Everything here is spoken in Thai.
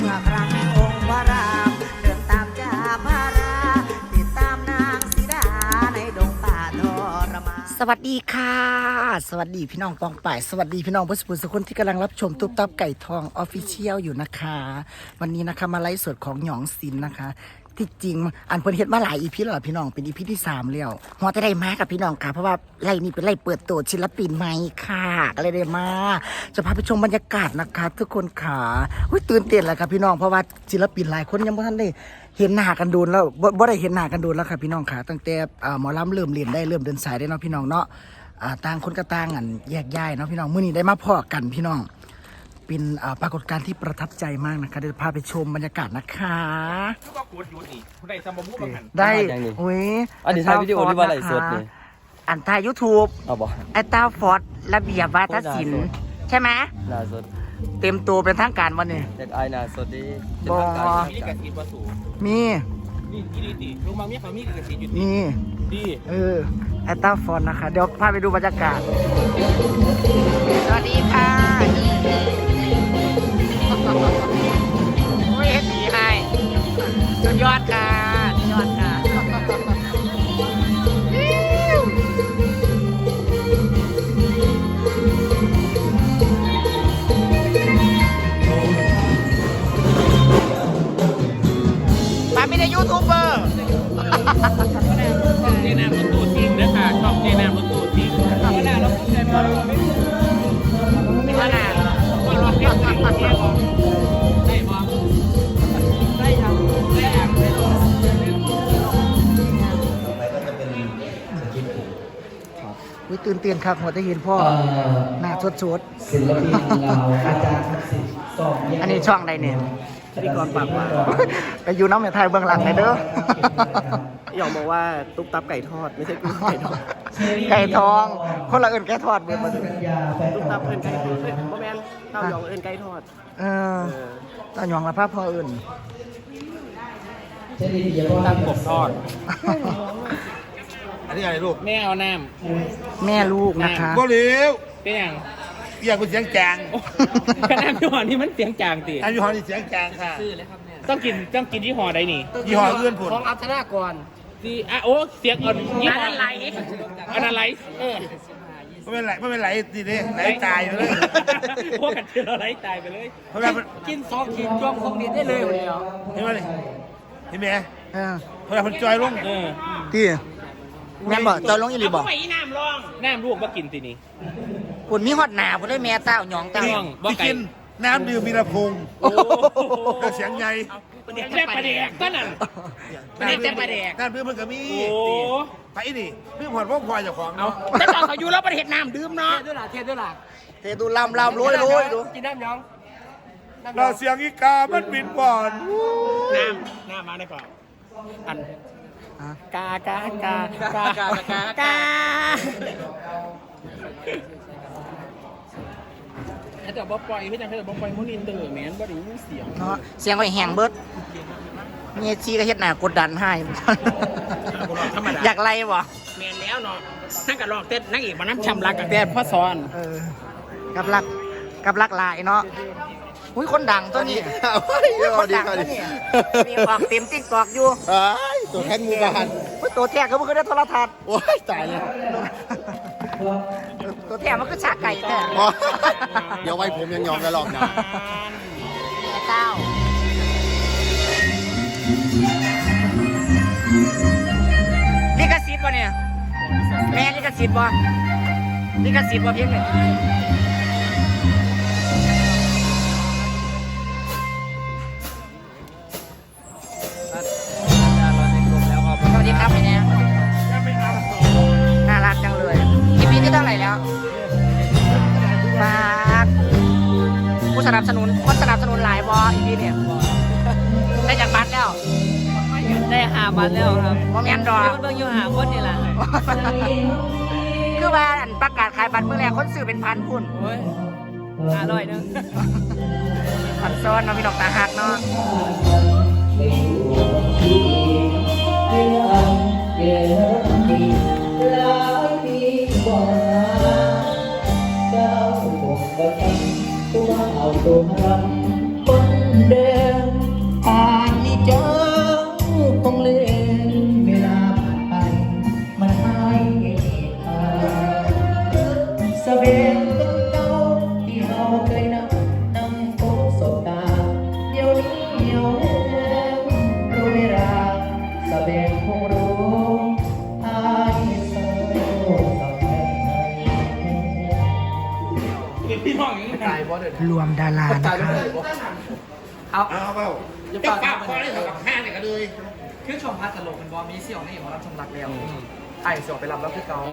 มื่อครั้งองค์พระรามเดินตามจ่าพาราติดตามนางสีดาในดงป่าทรมานสวัสดีค่ะสวัสดีพี่น้องปองป่ายสวัสดีพี่น้องผู้สุขคนที่กำลังรับชมตุ๊บตับไก่ทองออฟฟิเชียลอยู่นะคะวันนี้นะคะมาไลฟ์สดของหยองศิลป์นะคะที่จริงอันเพิ่นเฮ็ดมาหลายอีพีแล้วพี่น้องเป็นอีพีที่3แล้วหัวจะได้มากับพี่น้องค่ะเพราะว่าไล่นี้เป็นไล่เปิดตัวศิลปินใหม่ค่ะก็เลยได้มาจะพาไปชมบรรยากาศนะคะทุกคนค่ะตื่นเต้นเลยค่ะพี่น้องเพราะว่าศิลปินหลายคนยังไม่ทันได้เห็นหน้ากันโดนแล้วบ่ได้เห็นหน้ากันโดนแล้วค่ะพี่น้องค่ะตั้งแต่หมอลำเริ่มเรียนได้เริ่มเดินสายได้เนาะพี่น้องเนาะต่างคนก็ต่างกันแยกย้ายเนาะพี่น้องมื้อนี้ได้มาพอกันพี่น้องเป็นปรากฏการณ์ที่ประทับใจมากนะคะเดี๋ยวพาไปชมบรรยากาศนะคะก็กดอยู่นี่ได้ซัมบะมุกกันได้อุ้ยอันนี้ถ่ายวิดีโอหรือว่าไลฟ์สดนี่อันถ่าย YouTube เอาบ่ไอ้ต้าฟอร์ดระเบียบวาทศิลป์ใช่ไหมหน้าสดเต็มตัวเป็นทางการวันนี้เด็กไอหน้าสดดีบอมีกระสีบะสูมีนี่ดีลุงบางมีเขามีกระสีอยู่มีดีไอ้ต้าฟอร์ดนะคะเดี๋ยวพาไปดูบรรยากาศสวัสดีค่ะโอ้ยเฮ็ดดีให้สุดยอดค่ะสุดยอดค่ะป้าไม่ได้ยูทูบเบอร์เจนามรถตู้จริงนะค่ะชอบเจนามรถตู้จริงก็น่าเราพูดใจมาเราไม่ขนาดว่าเราเพี้ยนได้บอได้ยังได้อ่างได้ต่อไปก็จะเป็นสกิปตื่นเต้นครับหัวจะเห็นพ่อหน้าสดๆศิลปินเราอาจารย์ทักษิณสอบอันนี้ช่องใดเนี่ยพิธีกรปากหวานไปอยู่น้ำในไทยเบื้องหลังเลยเด้อหยองบอกว่าตุ๊กตับไก่ทอดไม่ใช่กุ้งไก่ทอดไก่ทองคนละเอิญไก่ทอดเบียร์มาตุ๊กตับเอิญไก่ทอดพ่อแม่เต้าหยองเอิญไก่ทอดเต้าหยองละภาพพ่อเอิญตับกบทอดอันนี้อะไรลูกแม่เอาน้ำแม่ลูกนะคะบ่เลี้ยวเป็นอย่างอยากเป็นเสียงจางขนาดยี่ห้อนี้มันเสียงจางตีอันยี่ห้อนี้เสียงจางค่ะต้องกินยี่ห้อใดนี่ยี่ห้อเอื้อนผลของอัธนากรดีโอ้เสียงอ่อนยี่ห้ออะไรอันอะไรไม่เป็นไรดีเลยไหลตายไปเลยพวกกันเจอไหลตายไปเลยกิน2 ขีดจ้วงคงดีได้เลยวันนี้เห็นไหมเห็นไหมเพราะคนจอยลงที่แม่บอกจอยลงอีหลีบอกน้ำลูกมากินตีนี้คุณมีฮอดหนาคุณได้แม่เต้าหยองเต้าบ่กินน้ำดื่มมีระพงก็เสียงใหญ่แซ่บประเดกก็นั่นแซ่บประเดกน้ำดื่มมันก็มีไปนี่เรื่องผ่อนพวกควายจากของเอาแต่ตอนเขาอยู่แล้วประเทศน้ำดื่มเนาะเทด้วยล่ะดูลำโรยดูกินน้ำยองเราเสียงอีกามันบินบ่อนน้ำมาได้ก่อนอันกาแต่บ๊อบปล่อยพี่จังแค่บ๊อบปล่อยมุนินเตอร์แมนบ่ได้ยินเสียงเนาะเสียงไอ้แหงเบิดเมียชีก็เฮ็ดหน้ากดดันให้อยากไล่บ่แมนแล้วเนาะนั่งกับลอกเต้นนั่งอีกมาน้ำชำรักกับแต่พ่อซ้อนกับรักลายเนาะอุ้ยคนดังตัวนี้คนดังตัวนี้มีออกเต็มติ๊กตอกอยู่ตัวแทนหมู่บ้านตัวแท้ก็มันคือได้โทรทัศน์โอ้ยตายเลยตัวแท้มันคือชาไก่แท้เดี๋ยวไว้ผมยังยอมกันหรอกนะเต้าลิขสิทธิ์ป่ะเนี่ยแม่ลิขสิทธิ์ป่ะเพียงเลยสวัสดีครับพี่เนี่ยน่ารักจังเลยคลิปนี้ที่เท่าไหร่แล้วฝากผู้สนับสนุนหลายบออีกทีเนี่ยได้จากบัตรแล้วได้5 บัตรแล้วครับว่าแม่นดอกเบิ่งอยู่5 คนนี่แหละคือว่าประกาศขายบัตรเมื่อแรกคนซื้อเป็นพันคุณโอ้ย500นึงพันซ้อนเนาะพี่ดอกตาหักเนาะตัวเอาตัวรำคนเดิมสเบ็ดเก่าที่เราเคยนำพบสบตาเดี๋ยวนี้เหี่ยวแห้งรู้เวลาสเบ็ดคงรู้อายเศร้าสับแค่ไหนพี่น้องอย่างนี้ตายบ่เด้อรวมดารานะคะเอาเปล่าจะปากคอได้เท่ากับห้าเนี่ยก็เลยคือชมพัดตลกมันบอมีเสี่ยวนี่หมอรับชมรักแล้วไอ้เสี่ยวไปรับแล้วคือเก่า